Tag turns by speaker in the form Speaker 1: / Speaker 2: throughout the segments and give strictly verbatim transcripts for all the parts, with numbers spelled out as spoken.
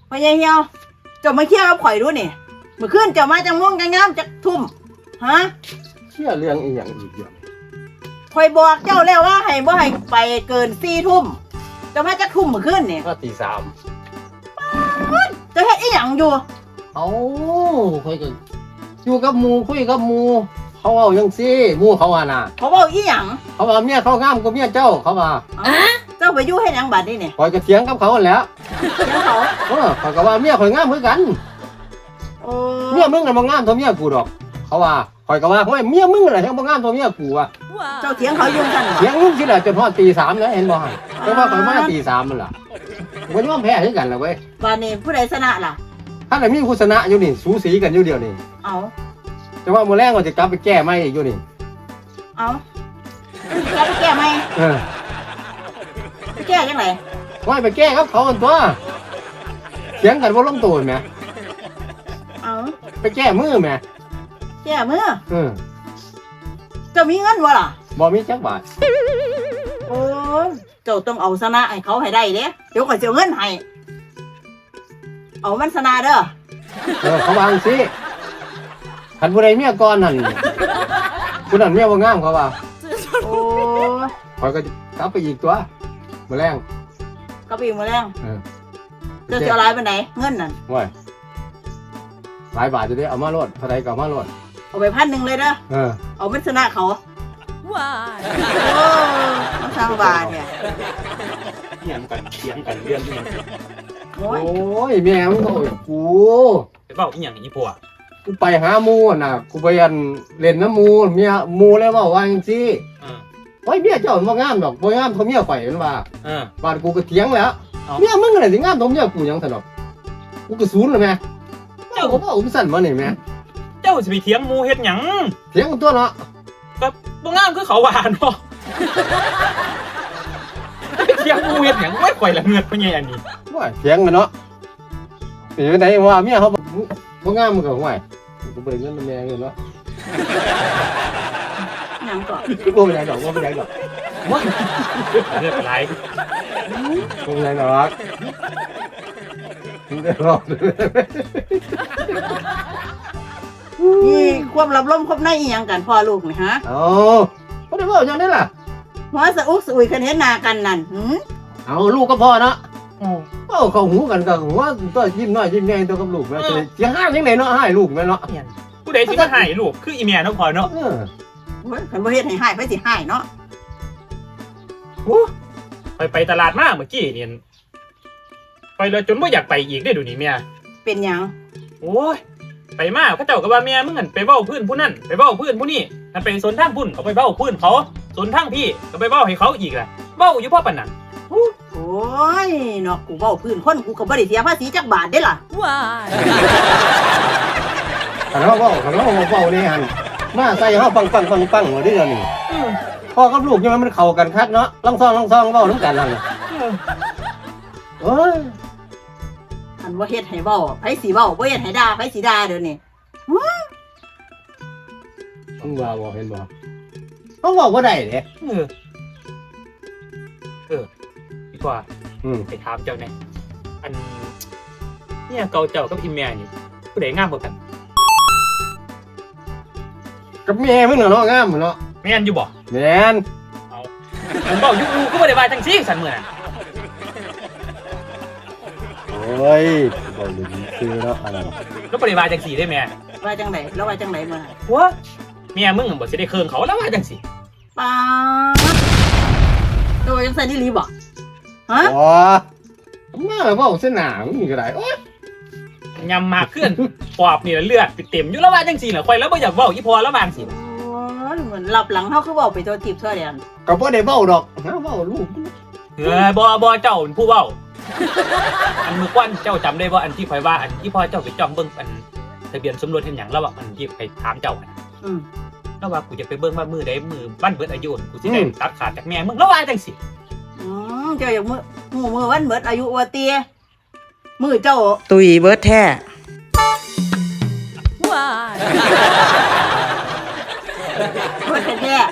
Speaker 1: พ่อใหญ่เหี่ยวเจ้ามาเคี่ยวกับข่อยดูนี่เมื่อคืนเจ้ามาจังม่วงจังงามจักทุ่มฮะ
Speaker 2: เชื่อเรื่องอีหยังอีกอย่าง
Speaker 1: ข่อยบอกเจ้าแล้วว่าให้บ่ให้ไปเกินสี่ทุ่มเจ้ามาจักทุ่มเมื่อคืนนี่
Speaker 2: ก็ตีสาม
Speaker 1: เจ้าเฮ็ดอีหยังอยู่
Speaker 2: เอ้าคุยกันอยู่กับหมูคุยกับหมูเขาเอาจังซี่หมูเขาว่าน่ะ
Speaker 1: เขาเว้าอีหยัง
Speaker 2: เขาว่าเมียเขางามกว่าเมียเจ้าเขาว่า
Speaker 1: เจ้าไปอยู่เฮ็ดหยังบัดนี้นี่
Speaker 2: ข่อยก็เถียงกับเขาแหล้ว
Speaker 1: เถียงเขา
Speaker 2: เออเขาก็ว่าเมียข่อยงามเหมือนกัน
Speaker 1: โอ้
Speaker 2: เมียมึงน่ะบ่งามเท่าเมียกูดอกเขาว่าข่อยก็ว่าโอ้ยเมียมึงน่ะยังบ่งามเท่าเมียกูว่ะ
Speaker 1: เจ้าเถียงเขาอยู่ซั่น
Speaker 2: เถียงมึงสิล่ะจนฮอดตีสามแล้วเห็นบ่หั่นแต่ว่าข่อยมาตีสามมันล่ะบ่ยอมแพ้คือกันล่ะเว้ย
Speaker 1: บัดนี้ผู้ใดชนะล่ะ
Speaker 2: ถ้าได้มีผู้ชนะอยู่นี่สูสีกันอยู่เดียวนี่
Speaker 1: เอ้า
Speaker 2: แต่ว่ามื้อแรงก็จะกลับไปแก้ใหม่อีกอยู่นี่
Speaker 1: เอ้าจะไปแก้ไหม
Speaker 2: เออ
Speaker 1: ไปแก้จังไหน
Speaker 2: ว่าไปแก้ครับเขากันตัวเถียงกันว่าลงตัวไหม
Speaker 1: เอา
Speaker 2: ไปแก้มือไหม
Speaker 1: แก้มือ
Speaker 2: เออ
Speaker 1: จะมีเงินวะล่ะ
Speaker 2: บ่มีจักบาท
Speaker 1: โอ้เจ้าต้องเอาชนะให้เขาให้ได้เด้เดี๋ยวก่อนจะเอาเงินให้เอามันชนะเด้อ
Speaker 2: เออเขาวางสิขันผู้ใดเมียก่อนนั่นผู้นั้นเมียว่างามเขาว่า
Speaker 1: โอ้
Speaker 2: คอยก็กลับไปอีกตัวมื้อแรง
Speaker 1: ก็ไปอีกมื้อแรงเออเจ้าจะเอาหลายปานใดเงินนั่น
Speaker 2: ว้ยหลายบาทจะได้เอามาโลดเท่าใดก็เอามาโลด
Speaker 1: เอาไปพันหนึ่งเลยเด้อเออเอามันชนะเขาว้ายโอ้มาสร้างบาทเนี่ย
Speaker 3: เถียงกันเถียงกันเรื่องที่มัน
Speaker 2: โอ้ยแม่มึงโอ้ยกู
Speaker 3: ไปเว้าอีหยังอีปัว
Speaker 2: กูไปหาหมูน่ะกูไปอันเล่นน้ำหมูเมียหมูเลยว่าว่าจังซี่เออโอ้ยเมียเจ้าบ่งามดอกบ่งามเท่าเมียข่อยมันว่าเออบ้านกูก็เถียงแล้วเมียมึงน่ะสิงามเท่าเมียกูหยังซั่นดอกกูก็ศูนย์แล้วแม่เจ้าก็บ่อุ้มสั่นมานี่แม่
Speaker 3: เจ้าสิไปเถียงหมู่เฮ็ดหยัง
Speaker 2: เถียงตัวเนาะ
Speaker 3: ก็บ่งามคือเขาว่าเนาะไปเถียงหมู่เฮ็ดหยังไว้ข่อยละเงือดพ่อใหญ่อันนี้
Speaker 2: ว่าเถียงกันเนาะสิไปไหนว่าเมียเขาบ่งามมันก็ห่วยกูบ่ได้เงินแม่เงินเนาะ
Speaker 1: หยังก่อน
Speaker 2: กูบ่ได้ดอกบ่ได้ดอก
Speaker 3: บ่เรื่องอะไร
Speaker 2: บ่ได้ดอกมึงได้รอด
Speaker 1: นี่ความลับล้มครบในอีหยังกันพ่อลูกนี่ฮะ
Speaker 2: เอ้าบ่ได้เว้าจังได๋ล่ะ
Speaker 1: หัวสะอุกสะอุยคันเห็นหน้ากันนั่นหือ
Speaker 2: เอาลูกก็พอเนาะเอ้าเข้าหูกันก็หัวตัวยิ้มน้อยยิ้มใหญ่ตัวกับลูกแม่สิสิหาจังได๋เนาะหายลูกแม่เนาะ
Speaker 3: ผู้ใดสิมาหายลูกคืออีแม่เนาะพ่อเนาะ
Speaker 1: เออโอ้ยคันบ่เฮ็ดให้หายไผสิหายเนาะ
Speaker 3: โอ้ไปไปตลาดมาเมื่อกี้นี่ไปเลยจนบ่อยากไปอีกได้ดูนี่แม่
Speaker 1: เป็นหยัง
Speaker 3: โอ้ยไปมาเขาเจ้าก็ว่าแม่มึงหั่นไปเว้าพื้นผู้นั้นไปเว้าพื้นผู้นี้มันไปสนทางพุ่นเขาไปเว้าพื้นเขาสนทางพี่ก็ไปเว้าให้เขาอีกล่ะเว้าอยู่พ่อปานนั้น
Speaker 1: โอ้ยเนาะกูเว้าพื้นคนกูก็บ่ได้เสียภาษีจักบาทเด้ล่ะว้าย
Speaker 2: คันเฮาเว้าคันเฮาเว้านี่หั่นมาใส่เฮาปังๆๆๆว่าดิเดี๋ยวนี้พ่อกับลูกยังมันเข้ากันคักเนาะลองซองลองซองเว้านำกันนั่นเอ้ย
Speaker 1: อันว่าเฮ็ดให้เว้าไผสิเว้าบ่เฮ็ดให้ด่าไผสิด่าเด้อนี่
Speaker 2: มึงว่าบ่เห็นบ่เฮาเว้าบ่ได้เด้
Speaker 3: เออเออดีกว่าอืมไปถามเจ้าแน่อันเนี่ยเก่าเจ้ากับอีแม่นี่ผู้ใดงามกว่ากัน
Speaker 2: กับแม่มึงเนาะงามเนาะ
Speaker 3: แม่นอยู่บ่
Speaker 2: แม่น
Speaker 3: เอาผมบอกอยู่กูก็บ่ได้ว่าจังซี่ซั่นมื้อนั้น
Speaker 2: โอ้ยบ่ได้คือเนาะอันนั้น
Speaker 3: แล้วบ่ได้ว่าจังซี่ได้แม่
Speaker 1: ว่าจังได๋แล้วว่าจังได๋มื้อ
Speaker 3: หัวแม่มึงบ่สิได้เคิงเขาแล้วว่าจังซี่
Speaker 1: ป๊าดโตจังซั่นอีหลีบ่ฮะ
Speaker 2: อ๋อมาเว้าซะหน้ามึงก็ได้โอ๊ย
Speaker 3: ยำมากขึ้นปอบนี่เลือดเต็มอยู่แล้วว่าจังซี่ล่ะข่อยแล้วบ่อยากเว้าอีพอแล้วว่าจังซี่
Speaker 1: โอ้ยเหมือนหลับหลังเฮาคือเว้าไปตัวทิพย์ทั่วแดน
Speaker 2: ก็บ่ได้เว้าดอกฮะเว้าลูก
Speaker 3: เออบ่บ่เจ้าเป็นผู้เว้าอันมื้อก่อนเจ้าจำได้บ่อันที่ข่อยว่าอันที่พ่อเจ้าไปจ้องเบิ่งอันทะเบียนสมรสเฮ็ดหยังแล้วว่าอันที่ไปถามเจ้าอ่ะอือแล้วว่ากูจะไปเบิ่งว่ามื้อใดมื้อวันเบิดอายุกูสิได้ตัดขาดจากแม่มึงแล้วว่าจังซี่
Speaker 1: อือเจ้าอยากมื้อมื้อมื้อวันเบิดอายุว่าเตี้ยมื้อเจ้า
Speaker 4: ตุยเบิดแท้
Speaker 1: ว้ายเบิดแท้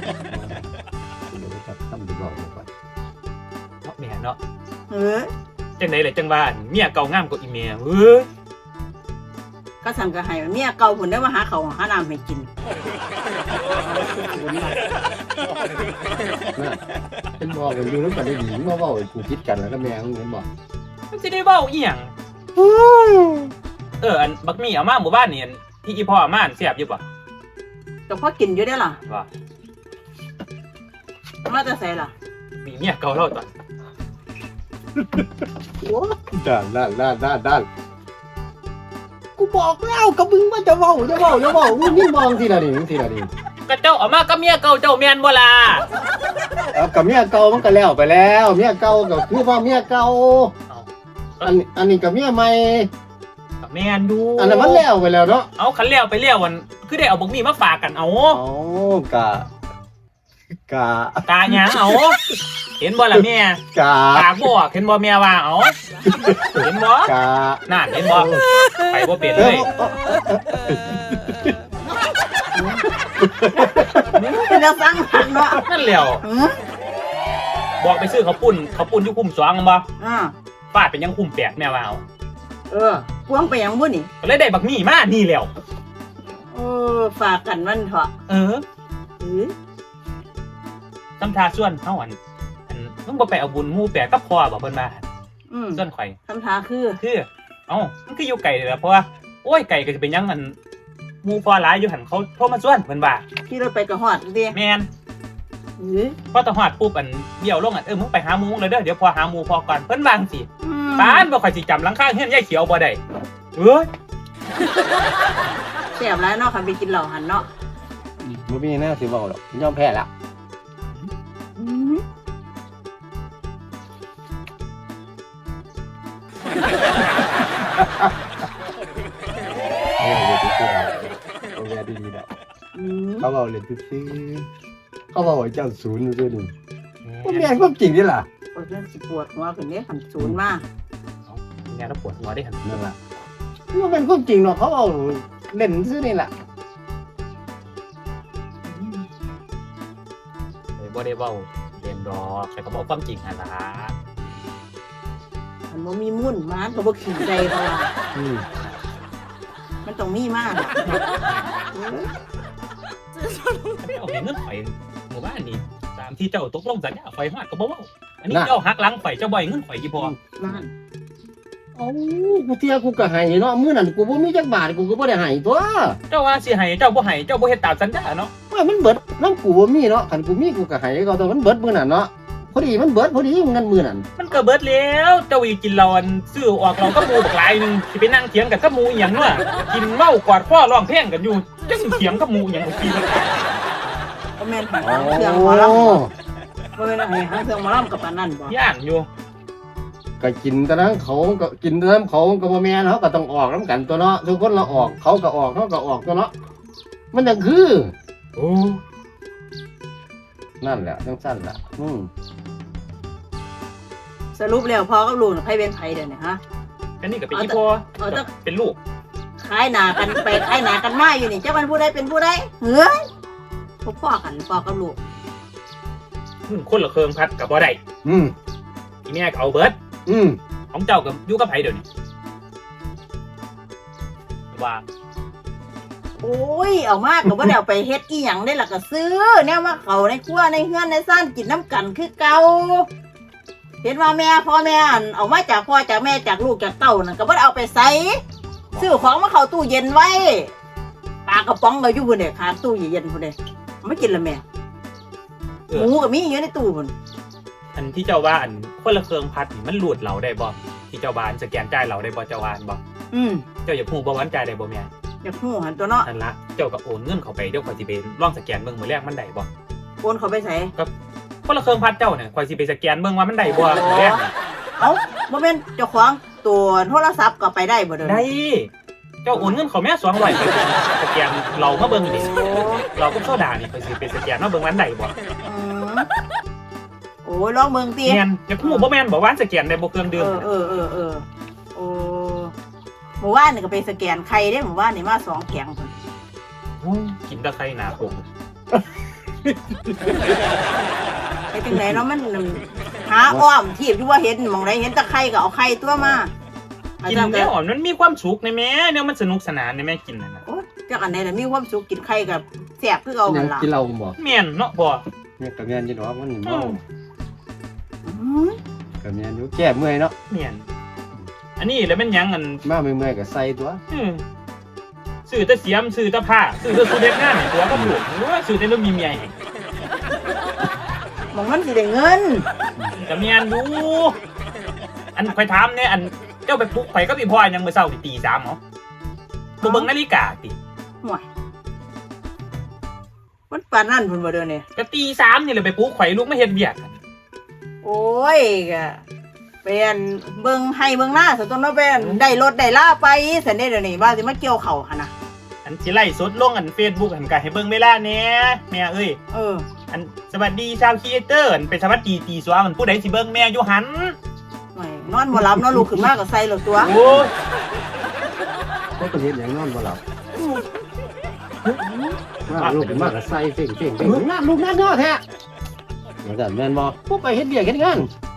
Speaker 3: แม่เนาะ
Speaker 1: เออ
Speaker 3: จังได๋ล่ะจังว่าเมียเก่างามกว่าอีเมียเอ้ย
Speaker 1: ก็สั่งก็ให้เมียเก่าผุนได้มาหาเขาวหาน้ำให้กิน
Speaker 2: น่ะเป็นบอกกันอยู่แล้วก็ได้ดีมาเว้าให้กูคิดกันแล้วก็แม่มึงเห็นบ่
Speaker 3: มันสิได้เว้าอีหยังเอออันบักมี่เอามาหมู่บ้านนี่อันที่อีพ่อเอามาอันแซ่บอยู่บ่
Speaker 1: ก็พอกินอยู่ได้อล่ะ
Speaker 3: ว่า
Speaker 1: มาจะใส่ล่ะ
Speaker 3: มีเมียเก่าเราตอน
Speaker 2: โอ้ด้านด้านด้านด้านด้านกูบอกแล้วกับมึงว่าจะเว้าจะเว้าจะเว้ามึงนี่มองทีละนี่ทีละนี่
Speaker 3: ก็เจ้าเอามากับเมียเก่าเจ้าแม่นบ่ล่ะ
Speaker 2: เอากับเมียเก่ามันก็แล้วไปแล้วเมียเก่าก็คือว่าเมียเก่า
Speaker 3: เอา
Speaker 2: อันอันนี้กับเมียใหม่
Speaker 3: ก็แม่นดู
Speaker 2: อันนั้นมันแล้วไปแล้วเนาะ
Speaker 3: เอาคันแล้วไปแล้ววันคือได้เอาบักมี่มาฝากกันเอา
Speaker 2: อ๋อกะกะ
Speaker 3: กาหยังเอาเห็นบ่ล่ะแม่
Speaker 2: กะ
Speaker 3: กากบ่เห็นบ่แม่ว่าเอาเห็นบ่
Speaker 2: กะ
Speaker 3: นั่นเห็นบ่ไปบ่เป็น
Speaker 2: เอ
Speaker 3: เล
Speaker 2: อย
Speaker 1: เป็นจะสั่งหันเนาะ
Speaker 3: นั่นแหล้ว
Speaker 1: หือ
Speaker 3: บอกไปซื้อข้าวปุ้นข้าวปุ้นอยู่คุ้มสองบ่
Speaker 1: อ่า
Speaker 3: ฟาดเป็นยังคุ้มแปลกแม่ว่าเอา
Speaker 1: เออพวงไปหยังบุ่นี่
Speaker 3: ก็เลยได้บักมี่มานี่แล้ว
Speaker 1: เออฝากกันมันเถอะ
Speaker 3: เออ
Speaker 1: หือ
Speaker 3: ตำทาส่วนเฮาอันอันมึงบ่ไปเอาบุญหมู่แปลกกับพ่อบ่เพิ่นมา
Speaker 1: อืม
Speaker 3: ส่วนข่อย
Speaker 1: คำถามคือ
Speaker 3: คือเอ้ามันคืออยู่ไกลเลยล่ะเพราะว่าโอ้ยไกลก็จะเป็นหยังมันหมู่พ่อหลายอยู่หั่นเขาโทรมาส่วนเพิ่นว่า
Speaker 1: ที่เราไปกระหอดดิ
Speaker 3: แม่น
Speaker 1: หือ
Speaker 3: พอตะฮอดปุ๊บอันเบี้ยวลงอันเออมึงไปหาหมู่มึงเลยเด้อเดี๋ยวพอหาหมู่พอก่อนเพิ่นว่าจังซี่
Speaker 1: อืม
Speaker 3: ปานบ่ค่อยสิจำหลังคาเฮือนยายเขียวบ่ได้เอ้ย
Speaker 1: แซ่บแล้วเนาะคันไปกินเหล้าหันเนาะ
Speaker 2: บ่มีแน่สิเว้าหรอกยอมแพ้ละ
Speaker 1: อืม
Speaker 2: เอาเรียนซื่อๆเอาเรียนดีๆนะ
Speaker 1: อืม
Speaker 2: เขาเอาเรียนซื่อๆเขาบอกว่าเจ้าศูนย์ซื่อๆนี่บ่แม่นความจริงนี่ล่ะ
Speaker 1: ปวดเรื่องสิปวดหัวขึ้นเนี่ยหันศูนย์มา
Speaker 3: แม่แล้วปวดหัวได้หั่น
Speaker 2: นั่นล่ะมันเป็นความจริงเนาะเขาเอาเล่นซื่อนี่ล่ะ
Speaker 3: เอ้ยบ่ได้เว้าเรียนดอกแต่ก็บอกความจริงหั่นล่ะ
Speaker 1: มันบ่มีมุ่นมันก็บ่ขี่ใจเขาว่า
Speaker 2: อืม
Speaker 1: มันต้องมีมากอะเออ
Speaker 3: เอาเงินข่อยหมู่บ้านนี่ตามที่เจ้าตกลงสัญญาข่อยฮอดก็บ่เว้าอันนี้เจ้าหักหลังข่อยเจ้าบ่ให้เงินข่อยอีพอ
Speaker 1: นั่น
Speaker 2: เอ้ากูเที่ยกูก็ให้เนาะมื้อนั้นกูบ่มีจักบาทกูก็บ่ได้ให้ตัว
Speaker 3: เจ้าว่าสิให้เจ้าบ่ให้เจ้าบ่เฮ็ดตามสัญญาเนาะ
Speaker 2: ว่ามันเบิดนำกูบ่มีเนาะคันกูมีกูก็ให้เขาแต่มันเบิดมื้อนั้นเนาะพอดีมันเบิดพอดีเงินมื้อนั้น
Speaker 3: มันก็เบิดแล้วเจ้าอีกินเหล้าอันซื้อออกเราก็หมู่บักหลายหนึงสิไปนั่งเถียงกันกับหมู่อีหยังเนาะกินเมากอดคอร้องเพลงกันอยู่จังสิเถียงกับหมู่อีหยังบ่กิน
Speaker 1: ก็แม่นหาเครื่องหมอลำบ่แม่นให้หาเครื่องหมอลำกับปานนั้นบ่
Speaker 3: ย่านอยู่
Speaker 2: ก็กินแต่นั้นเขาก็กินแต่นั้นเขาก็บ่แม่นเขาก็ต้องออกนํกันตัวเนาะทุกคนเราออกเขาก็ออกเขาก็ออกตัวเนาะมันจังคือ
Speaker 3: โอ้
Speaker 2: นั่นแหละจังซั่นล่ะอืม
Speaker 1: สรุปแล้วพ่อกับลูกน่ะไผเป็นไผเดี๋ยวนี้ฮะ
Speaker 3: อันนี้ก็เป็นอีพ่อ
Speaker 1: เอาแต่
Speaker 3: เป็นลูก
Speaker 1: ขายหน้ากันไปขายหน้ากันมาอยู่นี่เจ้ามันผู้ใดเป็นผู้ใดเฮ้ยพวกพ่อกันพ่อกับลูก
Speaker 3: มึงคนละเครื่องพัดก็บ่ได้
Speaker 2: อืม
Speaker 3: อีแม่ก็เอาเบิด
Speaker 2: อืม
Speaker 3: ของเจ้ากับอยู่กับไผเดี๋ยวนี้ว่า
Speaker 1: โอ้ยเอามากก็บ่ได้เอาไปเฮ็ดอีหยังได้ล่ะก็ซื้อแนวมาเขาในครัวในเฮือนในซ่านกินน้ำกันคือเก่าเห็นว่าแม่พ่อแม่อั่นเอามาจากพ่อจากแม่จากลูกจากเต้านั่นก็บ่ได้เอาไปใส่ซื้อของมาเข้าตู้เย็นไว้ปลากระป๋องก็อยู่พุ่นเด้ข้างตู้เย็นพุ่นเด้เอามากินละแม่
Speaker 3: เอ
Speaker 1: ห
Speaker 3: อ
Speaker 1: มูก็มีอยู่ในตู้พุ่น
Speaker 3: อันที่เจ้าว่าอันคนละเครื่องพัดนี่มันหลุดเราได้บ่ที่เจ้าบ้านสแกนจ่ายเราได้บ่เจ้าว่านบ่
Speaker 1: อืม
Speaker 3: เจ้าอย่าพูดบ่วันจ่ายได้บ่แม่
Speaker 1: อยากฮู้หันตัวเนาะ
Speaker 3: นั่นละเจ้าก็โอนเงินเข้าไปเดี๋ยวข่อยสิไปลองสแกนเบิ่งมื้อแรกมันได้บ่
Speaker 1: โอนเขาไปใส่
Speaker 3: คนละเครื่องพัดเจ้าเนี่ยข่อยสิไปสแกนเบิ่งว่ามันได้บ่มื้อแรกนี่
Speaker 1: เอ้าบ่แม่นเจ้าของตัวโทรศัพท์ก็ไปได้บ่เด้อ
Speaker 3: ได้เจ้าโอนเงินเขาแม่สองร้อยไปสแกนเรามาเบิ่งนี่เราก็โซดานี่ข่อยสิไปสแกนมาเบิ่งว่ามันได้บ่
Speaker 1: อืมโอ้ยลองเบิ่งติ
Speaker 3: แม่นอย่าพูดบ่แม่นบ่ว่าสแกนได้บ่เครื่องดื่ม
Speaker 1: เออเออเออเออโอ้หมู่บ้านนี่ก็ไปสแกนไข่ได้หมู่บ้านนี่มาสองแข็งพุ่น
Speaker 3: โอ้ยกินแตะไคร้หนาผม
Speaker 1: ไปจังไหนเนาะมันหาอ้อมทีบอยู่ว่าเห็นหมองไหนเห็นตะไคร่ก็เอาไข่ตัวมา
Speaker 3: กินได้หอมมันมีความสุขในแม่เนี่ยมันสนุกสนานในแม่กินนั่นน่ะ
Speaker 1: โอ๊ยจักอันไหนล่ะมีความสุขกินไข่กับแซ่บคือเอา
Speaker 2: ยั
Speaker 1: หั่
Speaker 2: ง
Speaker 1: นล่ะ
Speaker 2: กินเหล้าบ่
Speaker 3: แม่นเนาะพ่อ
Speaker 2: เนี่ยก็แม่นอยู่ดอกมันนี่เมา
Speaker 1: อืม
Speaker 2: ก็แม่นอยู่แก้เมื่อยเนาะ
Speaker 3: แม่นอันนี้แล้วมันหยังอัน
Speaker 2: มาเมื่อยๆก็ใส่ตัว
Speaker 3: อืมซื้อแต่เสียมซื้อแต่ผ้าซื้อแต่สุดเด็ดงานให้ตัวก็ถูกหรือว่าซื้อแต่เรื่องมีเมียให้
Speaker 1: หมองมันสิได้เงิน
Speaker 3: ก็แม่นอยู่อันข่อยถามเนี่ยอันเจ้าไปปลุกข่อยกับอีพ่อยังมื้อเช้านี่ตีสามเหรอบ่เบิ่งนาฬิกาติ
Speaker 1: ห่วยมันปานนั้นพุ่นบ่เด้อนี่
Speaker 3: ก็ตีสามนี่แหละไปปลุกข่อยลูกมาเฮ็ดเวียก
Speaker 1: โอ้ยก็เป็นเบิ่งให้เบิ่งหน้าซะต้นเนาะเป็นได้รถได้ลาไปซั่นเด้เดี๋ยวนี้ว่าสิมาเกี่ยวข้าวหั่นน่ะ
Speaker 3: อันสิไล่สดลงอัน Facebook อันก็ให้เบิ่งเวลาแหน่แม่เอ้ย
Speaker 1: เออ
Speaker 3: อันสวัสดีชาวครีเอเตอร์อันเป็นสวัสดีตีสวงอันผู้ใดสิเบิ่งแม่อยู่หัน
Speaker 1: ห่วยนอนบ่หลับเนาะลูกขึ้นมาก็ใส่รถตัว
Speaker 3: โอ้ย
Speaker 2: ก็เป็นเฮ็ดหยังนอนบ่หลับว่าลูกมากก็ใส่เพ่งๆๆนั่นลูกนั่นเนาะแท้ว่าซั่นแม่นบ่ผู้ไปเฮ็ดเวียกเฮ็ดงาน